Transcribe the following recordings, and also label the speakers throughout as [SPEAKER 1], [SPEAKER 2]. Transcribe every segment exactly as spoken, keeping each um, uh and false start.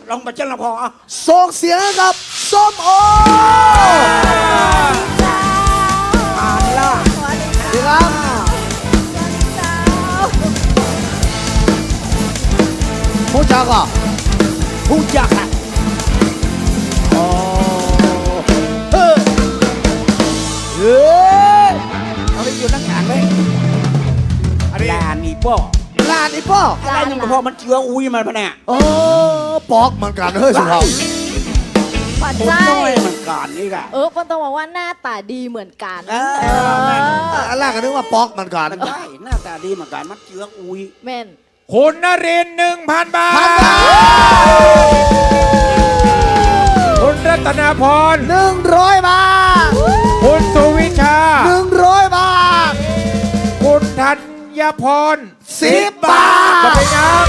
[SPEAKER 1] ลองมาเจ้าละพออ่ะ
[SPEAKER 2] ส่งเสียงให้กับส้มโอ
[SPEAKER 1] อ่านล่ะ
[SPEAKER 2] ดีครับผู้จักอ่ะ
[SPEAKER 1] ผู้จักอ่ะ
[SPEAKER 2] โอ้เฮ้ยเฮ้ย
[SPEAKER 1] เอาไปอยู่นักงานเลยลานี่ป้อ
[SPEAKER 2] ลานอีป้อ
[SPEAKER 1] อะไรนึงพอมันเชื้ออุ้ยมันพะเนี่ย
[SPEAKER 2] โอ้ปอกเหมือนกันเฮ้ยสุภาพ
[SPEAKER 3] ปัจ
[SPEAKER 1] คน
[SPEAKER 3] จั
[SPEAKER 1] น้อย
[SPEAKER 3] ย
[SPEAKER 1] มันการนี่กะ
[SPEAKER 3] เออคนต้องบอกว่าหน้าตาดีเหมือนกัน
[SPEAKER 1] เออ
[SPEAKER 3] เออ
[SPEAKER 2] อันแรกก็นึกว่าปอกเหมือนกัน
[SPEAKER 1] มันได้หน้าตาดีเหมือนกันมันเชื้ออุ้ย
[SPEAKER 3] แม่น
[SPEAKER 4] คุณนรินทร์หนึ่งพันบาท
[SPEAKER 2] พันบาท
[SPEAKER 4] คุณรัตนาพร
[SPEAKER 2] หนึ่งร้อยบาท
[SPEAKER 4] คุณสุวิชา
[SPEAKER 2] หนึ่งร้อยบาท
[SPEAKER 4] คุณธัญพร
[SPEAKER 2] สิบบาท
[SPEAKER 4] จะเป็นยัง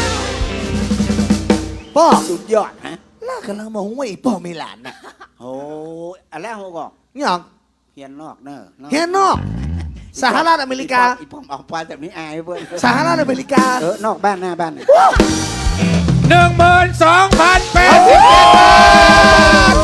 [SPEAKER 2] ป้อ
[SPEAKER 1] สุดยอดฮะ
[SPEAKER 2] ล่ากำลังมองว่าอีป้อมีหลานน่ะ
[SPEAKER 1] โอ้อะไรเขาก็
[SPEAKER 2] นี่หรอ
[SPEAKER 1] เฮียนนอกเนอะ
[SPEAKER 2] เฮียนอกสหรัฐอเมริกา
[SPEAKER 1] อีป้อมออกไปแบบนี้อายเพื่อน
[SPEAKER 2] สหรัฐอเมริกา
[SPEAKER 1] เออนอกบ้านหน้าบ้าน
[SPEAKER 4] หนึ่งหมื่นสองพันแปดสิบเจ็ดบาท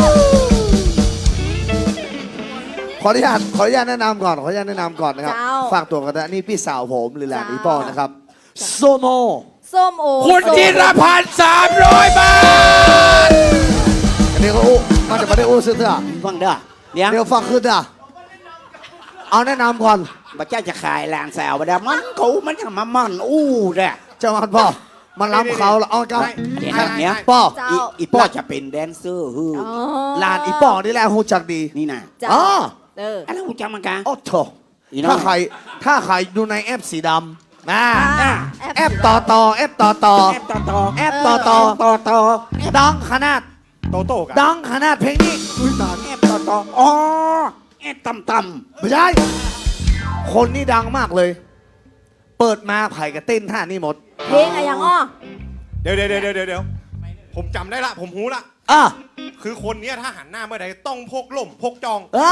[SPEAKER 2] ขออนุญาตขออนุญาตแนะนำก่อนขออนุญาตแนะนำก่อนนะครับ
[SPEAKER 3] เจ้า
[SPEAKER 2] ฝากตัวกันนะนี่พี่สาวผมหรือหลาน
[SPEAKER 3] เจ้า
[SPEAKER 2] อีป้อนะครับโซโม
[SPEAKER 3] ส้มโอ
[SPEAKER 4] คุณ
[SPEAKER 3] ส้ม
[SPEAKER 4] จิรพันธ์สามร้อยบาท
[SPEAKER 2] อันนี้ก็อู้มันจะไม่ได้อู้ซื้อเถอะ
[SPEAKER 1] ฟังเด้อเดี๋ยว
[SPEAKER 2] เดี๋ยวฟังขึ้นอ่ะเอาแนะนำก่อน
[SPEAKER 1] บัเจ้าจะขายแรงแซวไปได้มันกูมันจะมามันอู้เด้อ
[SPEAKER 2] เจ้ามันพ่อมันล้ำเขาแล้วเอาเจ้า
[SPEAKER 1] เดี๋ยวนะเนี้ย
[SPEAKER 2] ป้อ
[SPEAKER 3] เจ้า
[SPEAKER 1] อีอีป้อจะเป็นแดนเซอร์ฮือ
[SPEAKER 3] อ๋อ
[SPEAKER 2] หลานอีป้อนี่แหละฮู้จักดี
[SPEAKER 1] นี่นะ
[SPEAKER 3] เจ้า
[SPEAKER 2] อ๋อ
[SPEAKER 3] เออ
[SPEAKER 1] อะไรกูจำมันกะ
[SPEAKER 2] โอ้โถ
[SPEAKER 1] อีน้อง
[SPEAKER 2] ถ้าใครถ้าใครดูในแอปสีดำนะ
[SPEAKER 3] อ่า
[SPEAKER 2] แอปต่อต่อแอปต่อต่อ
[SPEAKER 1] แอปต่อต่อ
[SPEAKER 2] แอปต่อต่อ
[SPEAKER 1] ต่อต่อ
[SPEAKER 2] ดังขนาด
[SPEAKER 4] โตโต้กัน
[SPEAKER 2] ดังขนาดเพลงนี้อุ้ยตาย
[SPEAKER 1] แอปต่อต่ออ๋อแอปต่ำต่
[SPEAKER 2] ไม่ใช่คนนี้ดังมากเลย เปิดมาไผ่กับเต้นท่านี่หมด
[SPEAKER 3] เพลงอะไรอย่างอ้อ
[SPEAKER 5] เดี๋ยวเดี๋ยวเดี๋ยวเดี๋ยวเดี๋ยวผมจำได้ละผมหูละ
[SPEAKER 2] อ่ะ
[SPEAKER 5] คือคนเนี้ยถ้าหันหน้าเมื่อใดต้องพกล่มพกจอง
[SPEAKER 2] อ่า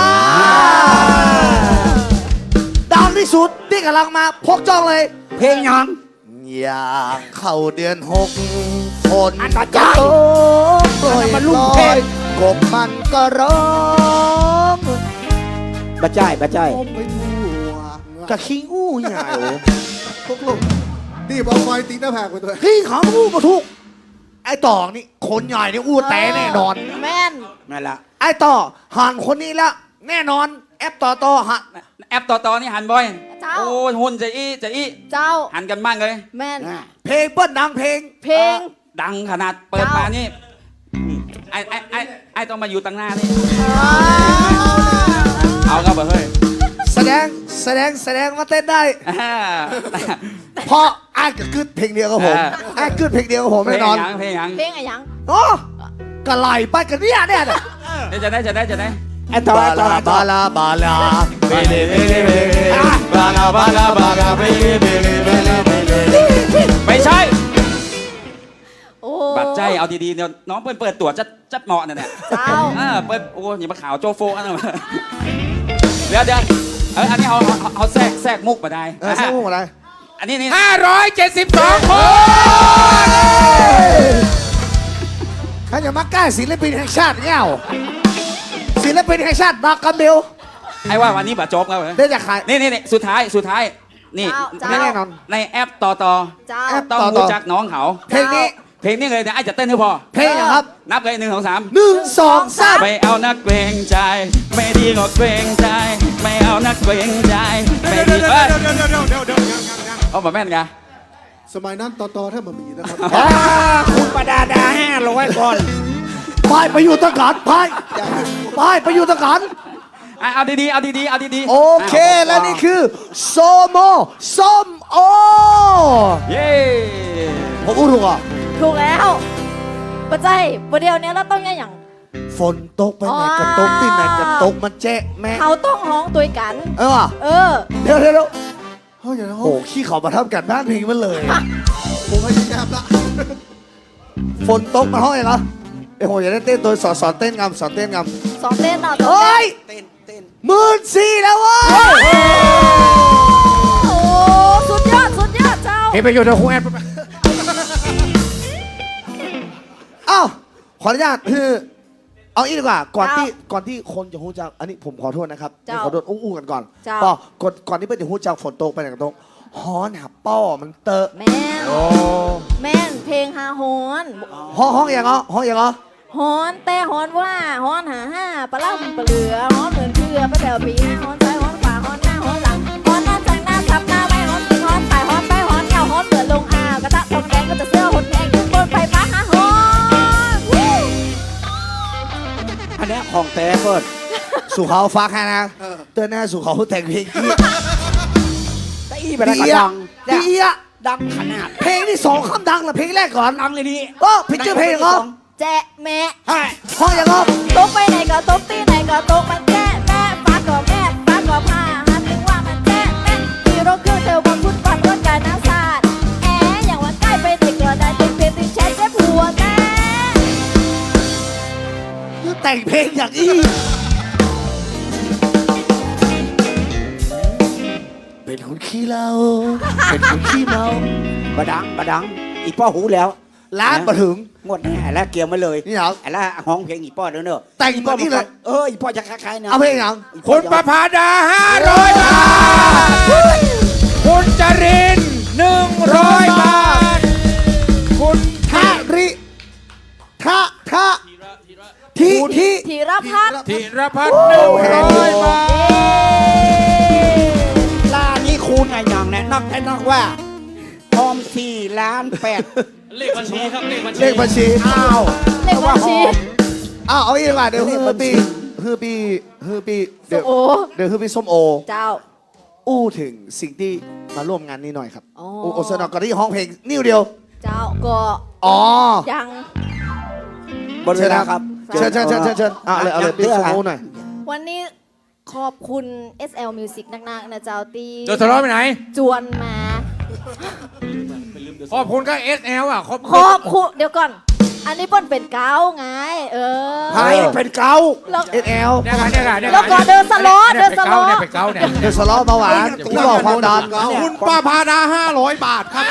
[SPEAKER 2] ดังที่สุดที่กำลังมาพกจ้องเลย
[SPEAKER 1] ำเพลงยัง
[SPEAKER 2] อย่างเข้าเดือนหกฝน
[SPEAKER 1] อันต่อ
[SPEAKER 2] ก็
[SPEAKER 1] จ้า
[SPEAKER 2] ตกโปรย
[SPEAKER 1] มันลูก
[SPEAKER 2] ล
[SPEAKER 1] เพล
[SPEAKER 2] อง ยกบมันก็ร้อง
[SPEAKER 1] บัจ้ายบัจ้าย
[SPEAKER 2] ผมไปทั่วกะคิงอู้ใหญ่โอ้
[SPEAKER 6] พวกลูกนี่บอลไฟตีหน้าผากไปตัว
[SPEAKER 2] ขี้ขาอู้มาทุก ไอ้ต่อนี่คนใหญ่นี่อู้แต่แน่นอน
[SPEAKER 3] แม่น
[SPEAKER 1] นั่นละ
[SPEAKER 2] ไอ้ต่อหันคนนี้ละแน่นอน แอปต่อต่อหัน
[SPEAKER 7] แอปต่อต่อนี่หันบ่อย
[SPEAKER 3] เจ้า
[SPEAKER 7] โอ้ยหุ่นจะอี้จะอี้
[SPEAKER 3] เจ้า
[SPEAKER 7] หันกันบ้างเลย
[SPEAKER 3] แม่น
[SPEAKER 1] น่ะ
[SPEAKER 2] เพลงเปิ้ลดังเพลง
[SPEAKER 3] เพลง
[SPEAKER 7] ดังขนาดเปิดมานี่ไอ้ไอ้ไอ้ไอ้ต้องมาอยู่ตั้งหน้านี่
[SPEAKER 3] อ๋อ
[SPEAKER 7] เอาครับเฮ้ย
[SPEAKER 2] แสดงแสดงแสดงว่าเต้นได้
[SPEAKER 7] อ่า
[SPEAKER 2] เพราะไอ้ก็ขึ้นเพลงเดียวกับผม
[SPEAKER 7] อ่า
[SPEAKER 2] ไอ้ขึ้นเพลงเดียวกับผม
[SPEAKER 7] เพล
[SPEAKER 2] แน่
[SPEAKER 7] ง
[SPEAKER 2] นอน
[SPEAKER 7] หยังเพลงหยัง
[SPEAKER 3] เพลงอะไรอย่าง
[SPEAKER 2] โอ้กะไหลไปกันเนี่ยเนี่ยน่ะ
[SPEAKER 7] เดี๋ยวจะได้จะได้จะได้
[SPEAKER 1] ไอ้ต่อบ
[SPEAKER 2] า
[SPEAKER 1] ไอ้ต่อ
[SPEAKER 2] ลา
[SPEAKER 1] ไอ้ต่อบ
[SPEAKER 2] าลาบาลาเบเลเบเลเบเล
[SPEAKER 5] บาลาบาลาบาลาเบเลเบเลเบเลเบเล
[SPEAKER 7] ไม่ใช่
[SPEAKER 3] โอ้
[SPEAKER 7] บัตรใจเอาดีๆเดี๋ยวน้องเปิดเปิดตัวจะจะเหมาะเนี่ยเนี่ย
[SPEAKER 3] เจ้า
[SPEAKER 7] อ่าเปิดโอ้ยอย่ามาข่าวโจโฟกันนะเดี๋ยวเดี๋ยวเอออันนี้เอาเอาเอาแทรกแทรกมุกมาได้
[SPEAKER 2] เออใช่พวกอะไร
[SPEAKER 7] อันนี้นี่
[SPEAKER 4] ห้าร้อยเจ็ดสิบสองคน
[SPEAKER 2] ใครจะมาใกล้ศิลปินแห่งชาติเงี้ยศิลปินแห่งชาติบักกับเบล
[SPEAKER 7] ไอ้ว่าวันนี้บัตรจบแล้วเหรอ
[SPEAKER 2] ได้จากใคร
[SPEAKER 7] นี่นี่นี่สุดท้ายสุดท้ายนี่
[SPEAKER 3] เจ้า
[SPEAKER 2] แน่นอน
[SPEAKER 7] ในแอปต่อต่อ
[SPEAKER 3] เจ้า
[SPEAKER 2] แอป
[SPEAKER 7] ต้อง
[SPEAKER 2] ต่อต่อ
[SPEAKER 7] รู้จักน้องเขา
[SPEAKER 2] เพลงนี้
[SPEAKER 7] เพลงนี้เลยเดี๋ยวไอ้จะเต้นให้พอ
[SPEAKER 2] เพลงอะครับ
[SPEAKER 7] นับเลยหนึ่งสองสาม
[SPEAKER 2] หนึ่งสองสาม
[SPEAKER 7] ไม่เอานักเกรงใจ ไม่ดีก็เกรงใจ ไม่เอานักเกรงใจไม่
[SPEAKER 5] เดี๋ยว
[SPEAKER 7] ดี
[SPEAKER 5] เดี๋ยว
[SPEAKER 7] เอ้ย
[SPEAKER 5] เดี๋ยวเดี๋ยวเดี๋ยวเดี๋ยวเดี๋ยวยังยังยัง
[SPEAKER 7] เอาแบบแม่นไง
[SPEAKER 6] สมัยนั้นตอตอถ้ามันมีนะครับ
[SPEAKER 1] อ่าคุณประดาดาห้าร้อยคน
[SPEAKER 2] ไปไปอยู่ตะการไปไปไปอยู่ตะการ
[SPEAKER 7] อ่ะเอาดีๆเอาดีๆเอาดีๆ
[SPEAKER 2] โอเค
[SPEAKER 7] อ่ะ
[SPEAKER 2] และนี่คือโซโมส้มโอ
[SPEAKER 7] เย้
[SPEAKER 2] ผมพูดถูกอ่ะ
[SPEAKER 3] ถูกแล้วปัจจัยประเดี๋ยวนี้เราต้องยังอย่าง
[SPEAKER 2] ฝนตกไปไหนก็ตกที่ไหนก็ตกมันแจ๊ะแม่
[SPEAKER 3] เขาต้องห้องตัวกัน
[SPEAKER 2] เออว่ะ
[SPEAKER 3] เออ
[SPEAKER 2] เดี๋ยวเดี๋ยวเดี๋ยว
[SPEAKER 6] เฮ้ยอย่างนั้น
[SPEAKER 2] โอ้ขี้เขามาทำกันบ้านเพลงมันเลย
[SPEAKER 6] ผมพยายามละ
[SPEAKER 2] ฝนตกมาห้องเองเหรอเอ้ยผมอยากได้เต้นตัวสอนสอนเต้นงำสอนเต้นง
[SPEAKER 3] สอนเต้นต่อ
[SPEAKER 2] ำ
[SPEAKER 3] สอน
[SPEAKER 2] เฮ้ย
[SPEAKER 1] เต้นเต้น
[SPEAKER 2] หมื่นสี่แล้วเว้ย
[SPEAKER 3] โอ้สุดยอดสุดยอดเจ้า
[SPEAKER 4] เฮ้ยไปอยู่ในครูแอด
[SPEAKER 2] อ้าวขออนุญาตคือเอาอีกดีกว่าก่อนที่ก่อนที่คนจะฮู้จักอันนี้ผมขอโทษนะครับขอโทษอู้ๆกันก่อนก็ก่อนก่อนที่เพื่อนจะฮู้จักฝนตกไปไหนกันตกฮอนหับป้อมันเตอะ
[SPEAKER 3] แม่น
[SPEAKER 2] โอ้
[SPEAKER 3] แม่นเพลงฮาฮอน
[SPEAKER 2] ห้องห้องอย่างเหรอห้องอย่างเหรอ
[SPEAKER 3] ฮอนแต่ฮอนว่าฮอนหาห้าปลาล่ำปลาเหลือฮอนเหมือนเพื่อไปแถวปีห้าฮอนซ้ายฮอนขวาฮอนหน้าฮอนหลังฮอนหน้าจากหน้าทับหน้าไม่ฮอนตีฮอนถ่ายฮอนไปฮอนเก่าฮอนเปิดลงอ่าวกระทะทองแดงก็จะเสื้อฮอนแพงขึ้นบนไฟฟ้าฮาฮอนวู้
[SPEAKER 1] อันเนี้ยของแท้เปิด
[SPEAKER 2] สู่เขาฟักให้นะเตือนหน้าสู่เขาแต่งเพลงกี้
[SPEAKER 1] แต่อีไปได้ก็ดัง
[SPEAKER 2] ดีอ่ะ
[SPEAKER 1] ดังขนาด
[SPEAKER 2] เพลงที่สองคำดังเหรอเพลงแรกก่อน
[SPEAKER 1] ดังเลยนี่
[SPEAKER 2] ก็ผิดชื่อเพลงเหรอ
[SPEAKER 3] แจ๊ะแม่
[SPEAKER 1] ใช่
[SPEAKER 2] ห้องอย่างเหรอ
[SPEAKER 3] ตกไปไหนก็ตกตีไหนก็ตกมันแจ๊ะแม่ฟ้าก็แม่ฟ้าก็ผ้าหันถึงว่ามันแจ๊ะแม่ขี่รถเครื่องเธอมาพุ่นก่อนรถกายน้ำสาดแออย่างว่าใกล้ไปเด็กก็ได้ติดเพลงติดแชทเจ็บหัวแม่
[SPEAKER 2] แต่งเพลงอย่างอี้เป็นคนขี้เหล้าเป็นคนขี้เมา
[SPEAKER 1] บดังบดังอีป้อหูแล้ว
[SPEAKER 2] ล้านมาถึง
[SPEAKER 1] งวดแน่แล้วเกี่ยวมาเลย
[SPEAKER 2] นี่เหรอ
[SPEAKER 1] ไอ้ละห้องเพลงอีป้อเด้อเนอะ
[SPEAKER 2] แต่ง
[SPEAKER 1] อีป้อ
[SPEAKER 2] เหมือนนี่เลย
[SPEAKER 1] เอออีป้อจะคล้ายๆนะ
[SPEAKER 2] เอาเพลงอย่าง
[SPEAKER 1] อีป้
[SPEAKER 4] คุ
[SPEAKER 1] อ
[SPEAKER 4] ณ
[SPEAKER 1] จะ
[SPEAKER 4] ประภาดาห้าร้อยบาท คุณจรินหนึ่งร้อยบาท คุณ
[SPEAKER 2] ทะริทะทะทีที
[SPEAKER 3] ธีรพัฒน์
[SPEAKER 4] ธีรพัฒน์หนึ่งร้อยบาท
[SPEAKER 1] ล่านี้คูณไงอย่างเนี่ยนอกแต่นอกว่าพร้อมสี่ล้านแปด
[SPEAKER 5] เลขบัญชีครับเลขบัญชี
[SPEAKER 2] เลขบัญชี
[SPEAKER 1] อ้าว
[SPEAKER 3] เลขบัญชี
[SPEAKER 2] อ้าวเอาอีกดีกว่าเดี๋ยวฮือปีฮือปีฮือปีเดี๋ยว
[SPEAKER 3] โอ้
[SPEAKER 2] เดี๋ยวฮือปีส้มโอ
[SPEAKER 3] เจ้า
[SPEAKER 2] อู้ถึงสิ่งที่มาร่วมงานนี้หน่อยครับ
[SPEAKER 3] อ๋อ
[SPEAKER 2] โอ้โอสนอกก็ที่ห้องเพลงนิ้วเดียว
[SPEAKER 3] เจ้าก็
[SPEAKER 2] อ๋อ
[SPEAKER 3] ยัง
[SPEAKER 1] บนเวลาครับ
[SPEAKER 2] เชิญเชิญเชิญเชิญเชิญเอาเลยเอาเลยปีส้มโอหน่อย
[SPEAKER 3] วันนี้ขอบคุณ เอส แอล Music นักๆนะเจ้าตี
[SPEAKER 4] เดี๋ยวทะเลาะไปไหน
[SPEAKER 3] จวนมา
[SPEAKER 4] ขอบคุณก็ เอส แอล อ่ะขอบ
[SPEAKER 3] ขอบคุณเดี๋ยวก่อน อันนี้เป้นเป็นเกาไง เออ
[SPEAKER 1] ใครเป็นเกา
[SPEAKER 3] แล้ว
[SPEAKER 2] เอสแอล
[SPEAKER 4] เนี่ยค่ะเนี่ยค่ะเนี่ย
[SPEAKER 3] แล้วก็เดินสโลว์เดินสโลว์
[SPEAKER 4] เนี่ยเป็นเกาเนี่ย
[SPEAKER 2] เดี๋ยวสล้อเบาหวานที่บอกความดัน
[SPEAKER 6] คุณป้าพาดาห้าร้อยบาทครับ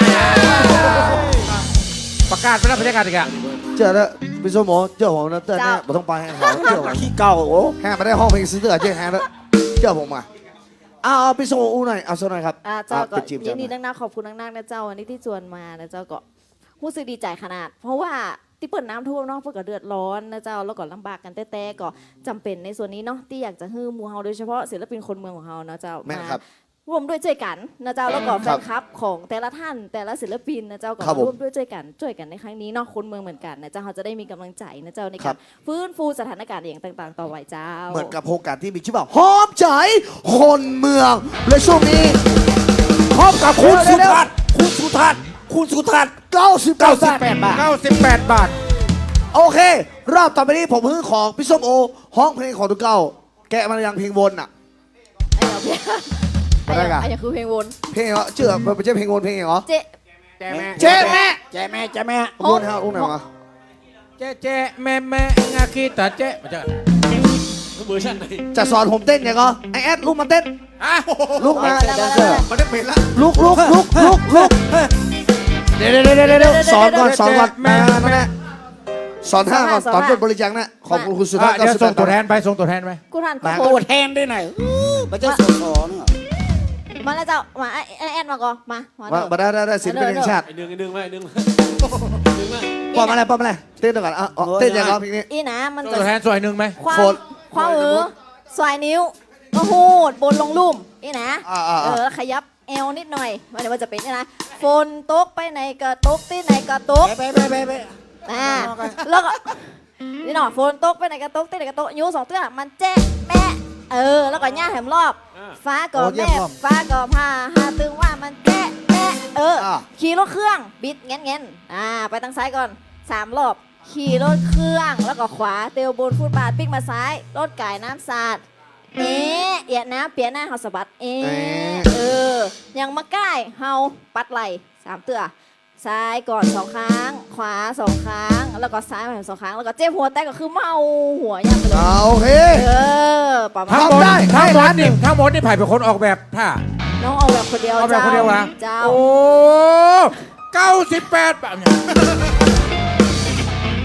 [SPEAKER 4] ประกาศไปแล้วประกาศอีกอ่ะ
[SPEAKER 2] เจอแล้วปีส้มโอเจอผมนะเต้นแน่ไม่ต้องไปให้เขาเจอผม
[SPEAKER 1] ขี้เก่าโอ้
[SPEAKER 2] แห่มาได้ห้องเพลงซื้อเตือเจ๊แห่แล้วเจอผมมาเอาเอาปีส้มโออู้หน่อยเอาสักหน่อยครับ
[SPEAKER 3] อ่าเจ้าก็
[SPEAKER 2] ไปจีบ
[SPEAKER 3] ยิ
[SPEAKER 2] เจ้าน
[SPEAKER 3] ดีนักๆขอบคุณนักๆนะเจ้าวันนี้ที่จวนมานะเจ้าก็รู้สึกดีใจขนาด เพราะว่าที่เปิดน้ำท่วมเนาะเพื่อก็เดือดร้อนนะเจ้าแล้วก็ลำบากกันแต่ๆก็จำเป็นในส่วนนี้เนาะที่อยากจะฮื้อหมูเฮาโดยเฉพาะศิลปินคนเมืองของเฮานะเจ้า
[SPEAKER 2] แม่น
[SPEAKER 3] มา
[SPEAKER 2] ครับ
[SPEAKER 3] ร่วมด้วยช่วยกันนะเจ้าแล้วก็แฟนคลับของแต่ละท่านแต่ละศิลปินนะเจ้าก็
[SPEAKER 2] ครับผม
[SPEAKER 3] ร่วมด้วยช่วยกันช่วยกันในครั้งนี้เนาะคนเมืองเหมือนกันนะเจ้าเขาจะได้มีกำลังใจนะเจ้าใน
[SPEAKER 2] ครั
[SPEAKER 3] การ
[SPEAKER 2] บ
[SPEAKER 3] ฟื้นฟูสถานการณ์อย่างต่างๆ ต่อไปเจ้า
[SPEAKER 2] เหมือนกับโครงการที่มีชื่อว่าหอมใจคนเมืองและช่วงนี้
[SPEAKER 1] พร้อมกับคุณสุทัศน์คุณสุทัศน์คุณสุทัศน์
[SPEAKER 2] เก้าสิบ
[SPEAKER 1] เก้า
[SPEAKER 2] เก้า
[SPEAKER 1] สิบแปดบาท
[SPEAKER 4] เก้าสิบแปดบาท
[SPEAKER 2] โอเค รอบต่อไปนี้ผมฮื้อของพี่ส้มโอ ห้องเพลงของตุกเก้า แกะมันยังเพลงวนอ่ะ
[SPEAKER 3] ไอ้เหี้ย
[SPEAKER 2] มาได้กะ
[SPEAKER 3] ไอ้เหี้ยคือเพลงวน
[SPEAKER 2] เพลงเหรอเชื่อมันไม่ใช่เพลงวนเพลงเหรอ
[SPEAKER 3] เจ๊
[SPEAKER 4] แจ๊แม่
[SPEAKER 2] เจ๊แม่
[SPEAKER 1] เจ๊แม่เจ๊แม่
[SPEAKER 2] วนฮะวนไหนวะ
[SPEAKER 4] เจ๊เจ๊แม่แม่งาคีตาเจ๊มาเจอ
[SPEAKER 5] เวอร์ชันไหน
[SPEAKER 2] จะสอนผมเต้นยังไงไอแอดลุกมาเต้น
[SPEAKER 4] อ่ะ
[SPEAKER 2] ลุกมา
[SPEAKER 3] มาแล้วมาแล้ว
[SPEAKER 6] มันได้เป็นละ
[SPEAKER 2] ลุกลุกลุกลุกลุกเดี๋ยวเดี๋ยวเดี๋ยวเดี๋ยวสอนก่อนสอนก่อนมามาแน่สอนท่าก่อนตอนต้นบริจาคนะขอบคุณคุณสุทัศน์
[SPEAKER 4] เดี๋ยวส่งตัวแท
[SPEAKER 2] น
[SPEAKER 4] นไปส่งตัวแทนไป
[SPEAKER 3] กูทานกู
[SPEAKER 1] มา
[SPEAKER 3] โค
[SPEAKER 1] ตัว
[SPEAKER 3] ตร
[SPEAKER 1] แทนด้วยหน่อยมันจะสดสอนเหรอ
[SPEAKER 3] มาแล้วเจ้ามาไอ้ไอ้แอดมาก่อนมามา
[SPEAKER 2] มา
[SPEAKER 3] เด้อ
[SPEAKER 2] มาได้ได้ได้ศิลปินแห่งชาติ
[SPEAKER 5] ไอ้หนึ่งไอ้หนึ่งมาไอ้หนึ่งมาหนึ่งมา
[SPEAKER 2] ป้อมอะไรป้อมอะไรเต้นก่อนอ่ะเต้นยังไงเพลงนี้
[SPEAKER 3] อีนะมัน
[SPEAKER 4] ส่ง
[SPEAKER 3] จะ
[SPEAKER 4] ตัวแทนสวยหนึ่งไหม
[SPEAKER 3] ความ
[SPEAKER 2] โฟน
[SPEAKER 3] ความเออสายนิ้วก็หูดบนลงลุ่มอีนะ
[SPEAKER 2] อ่าอ่า
[SPEAKER 3] เอ
[SPEAKER 2] อ่า
[SPEAKER 3] อขยับเอวนิดหน่อยมันเดี๋ยวมันจะเป็นนี่นะฝนตกไปไหนก็ตกที่ไหนก็ตก
[SPEAKER 1] ไปไปไปไป
[SPEAKER 3] อ่าแล้วก็นี่หน่อฝนตกไปไหนก็ตกที่ไหนก็ตกยูสองตัวมันเจ๊แม่เออแล้วก็ย่าแหมรอบ ฟ้าก็แม่ฟ้าก็พาหาตึงว่ามันแจ๊ะแม่เอออ
[SPEAKER 2] อ่า
[SPEAKER 3] ขี่รถเครื่องบิดเงี้ยเงี้ยอ่าไปทางซ้ายก่อนสามรอบขี่รถเครื่องแล้วก็ขวาเตียวบนฟุตบาทปิ๊กมาซ้ายรถไก่น้ำสาดเอ๊ะเอียดน้ำเปียหน้าเฮาสะบัดเอ๊ะเออยังมาใกล้เฮาปัดไหลสามเตือซ้ายก่อนสองครั้ง ขวาสองครั้ง แล้วก็ซ้ายมาสองครั้งแล้วก็เจ็บหัวแตกก็คือเมาหัวยังไปเลย
[SPEAKER 2] อ่าโอเค
[SPEAKER 3] เออประมาณ
[SPEAKER 4] ทั้งหมด
[SPEAKER 2] ทำได้
[SPEAKER 4] ทั้งหม
[SPEAKER 2] ให้ล้า
[SPEAKER 4] ด
[SPEAKER 2] นหนึ่
[SPEAKER 4] นี่
[SPEAKER 2] ง
[SPEAKER 4] ทั้งหมดนี่ไผ่เป็นคนออกแบบท่า
[SPEAKER 3] น้องเอาแบบคนเดียว
[SPEAKER 4] เอาแบบคนเดียววะ
[SPEAKER 3] เจ้า
[SPEAKER 4] โอ้เก้าสิบแปดบาท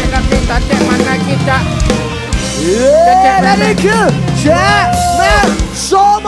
[SPEAKER 4] ละกินตาเจ๊มันนากินจะ
[SPEAKER 2] และนี่คือแชร์แมนโซโม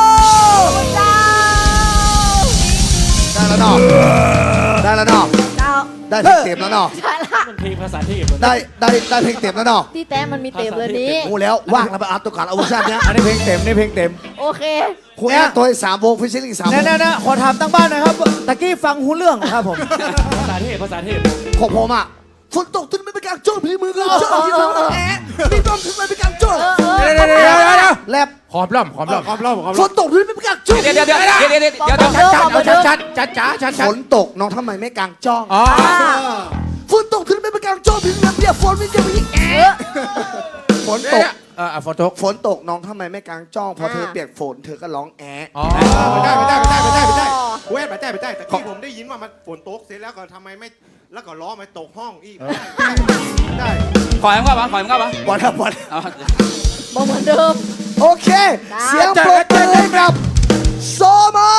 [SPEAKER 2] ได้แล้วเนาะได้แล้วเนาะ
[SPEAKER 3] เจ้า
[SPEAKER 2] ได้เพลงเต็มแล้วเนาะ
[SPEAKER 3] ใช่ละ
[SPEAKER 5] เพลงภาษาเทพ
[SPEAKER 2] ได้ได้ได้เพลงเต็มแล้วเนาะ
[SPEAKER 3] ที่แต้มมันมีเต็มเลยนี้
[SPEAKER 2] กูแล้วว่างแล้วไปอัพตัวก่อนเอาเวอร์ชันเนี้ย
[SPEAKER 4] อันนี้เพลงเต็มนี่เพลงเต็ม
[SPEAKER 3] โอเค
[SPEAKER 2] คุยตัวสามวงฟิชชิ่งสามว
[SPEAKER 8] แน่
[SPEAKER 2] ง
[SPEAKER 8] แน่ๆขอถามตั้งบ้านหนะครับตะกี้ฟังหูเรื่องครับผม
[SPEAKER 5] ภาษาเทพภาษาเทพ
[SPEAKER 2] ของผมอ่ะฝนตกขึ้นไม่ไปกลางโจ้พี่มือก็โจ้ที่มือแอะพี่น้องขึ้นไม่ไปกลางโจ้
[SPEAKER 4] เดี๋ยวเดี๋ยวเดี๋ยวเดี๋ยวเดี๋ยว
[SPEAKER 2] แลบ
[SPEAKER 4] ขอบล่อมขอบล่อม
[SPEAKER 5] ความรอบความ
[SPEAKER 2] ฝ
[SPEAKER 5] รอบ
[SPEAKER 2] นตกขึ้นไม่ไปกลางโจ้
[SPEAKER 7] เดี๋ยวเดี๋ยวเดี๋ยวเดี๋ยวเดี๋ยวเดี๋ยวเดี๋ยว
[SPEAKER 4] ชัดชัดเอาชัดชัดชัดชัดชัดชัด
[SPEAKER 2] ฝนตกน้องทำไมไม่กลางจ้อง
[SPEAKER 4] อ๋อ
[SPEAKER 2] ฝนตกขึ้นไม่ไปกลางโจ้พี่น้องเปียกฝนไม่จะไปแอะฝนตก
[SPEAKER 4] เออฝนตก
[SPEAKER 2] ฝนตกน้องทำไมไม่กลางจ้องพอเธอเปียกฝนเธอก็ร้องแอะ
[SPEAKER 4] อ๋อ
[SPEAKER 6] ไม่ได้ไม่ได้ไม่ได้ไม่ได้ไม่ได้เว้ยไม่ได้ไม่ได้แต่ที่ผมได้ยินว่ามันฝนตกเสร็จแล้วก็ทำไมไม่แล้วก็ล้อไม่ตกห้องอีกได้
[SPEAKER 7] ขอให้มึงว่าปะขอให้มึงว่าปะ
[SPEAKER 2] บอลครับบอล
[SPEAKER 7] เอา
[SPEAKER 3] บอกเหมือนเดิม
[SPEAKER 2] โอเค เสียงปรบมือให้กับโซโม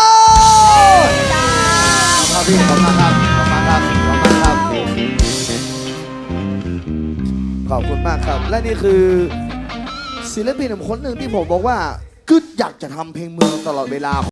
[SPEAKER 2] ครับพี่ขอบคุณครับขอบคุณครับขอบคุณครับขอบคุณมากครับ และนี่คือศิลปินคนหนึ่งที่ผมบอกว่าคืออยากจะทำเพลงเมืองตลอดเวลา